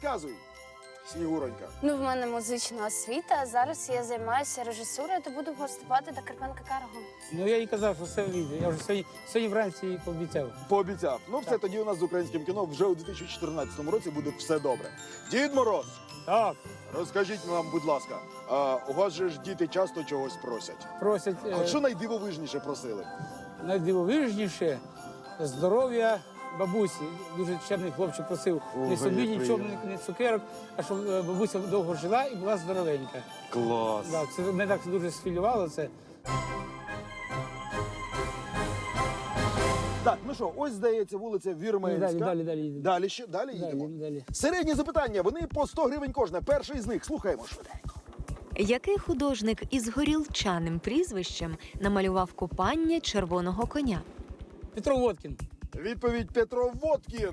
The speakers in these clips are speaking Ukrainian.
розказуй, Снігуронька. Ну, в мене музична освіта, а зараз я займаюся режисурою, то буду гостювати до Карпенка Карго. Ну я їй казав, що все вийде. Я вже сьогодні вранці їй пообіцяв. Пообіцяв. Ну, все, Так. тоді у нас з українським кіно вже у 2014 році буде все добре. Дід Мороз, Так, розкажіть нам, будь ласка, у вас же ж діти часто чогось просять. просять А що найдивовижніше просили? найдивовижніше здоров'я бабусі. Дуже чемний хлопчик просив Ого, не собі як нічого, приємно. не цукерок, а щоб бабуся довго жила і була здоровенька. Клас. Так, це мене так дуже схвилювало це. Так, ну що, ось, здається, вулиця Вірменська. Далі. Далі ще? Далі їдемо? Далі. Середні запитання, вони по 100 гривень кожне. Перший з них, слухаємо швиденько. Який художник із горілчаним прізвищем намалював купання червоного коня? Петро Водкін. Відповідь Петро Водкін.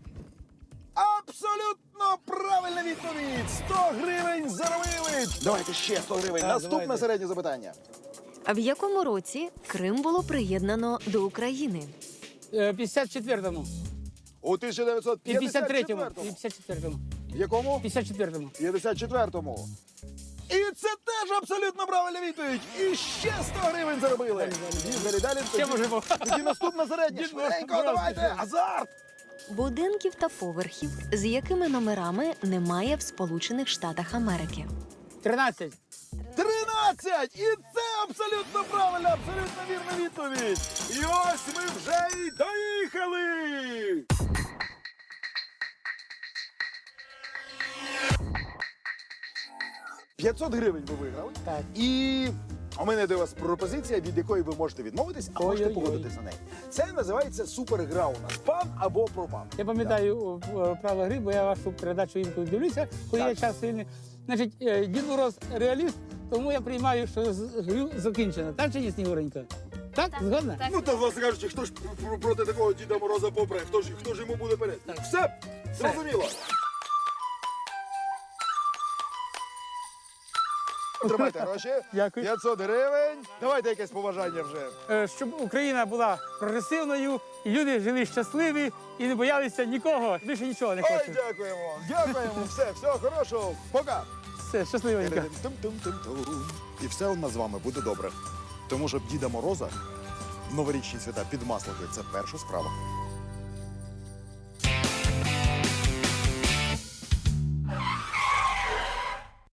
Абсолютно правильна відповідь! 100 гривень заробили! Давайте ще 100 гривень. Так, Наступне давайте. середнє запитання. А в якому році Крим було приєднано до України? 54-му. У І 53-му. 1954-му. І 54-му. В якому? 54-му. 54-му. І це теж абсолютно правильна відповідь. І ще 100 гривень заробили. Далі. Ще можемо. Тоді наступне середнє. Дід Швиденько, Мороз, давайте. ще. Азарт. Будинків та поверхів, з якими номерами немає в Сполучених Штатах Америки? 13. 13! І це абсолютно правильна, абсолютно вірна відповідь. І ось ми вже й доїхали. «500 гривень ви виграли. Так. І у мене до вас пропозиція, від якої ви можете відмовитись, а можете Ой-ой-ой. погодитись на неї. Це називається супергра у нас. Пан або пропан. Я пам'ятаю правила гри, бо я вашу передачу інколи дивлюся, коли Так. є час вільний. Значить, Дід Мороз реаліст, тому я приймаю, що грю закінчено. Так чи ні, Снігуренька? Так? Згодна? Так. Ну, то, власне кажучи, хто ж проти такого Діда Мороза попре? Хто ж йому буде перед? Так. Все? Зрозуміло. Тримайте гроші. Дякую. 500 гривень. Давайте якесь побажання вже. Щоб Україна була прогресивною, і люди жили щасливі і не боялися нікого. Більше нічого не Ой, хочу. дякуємо. Дякуємо. Все, всього хорошого. Пока. Все, щасливенько. Тум-тум-тум-тум. І все у нас з вами буде добре. Тому що Діда Мороза в новорічні свята під маслами – це перша справа.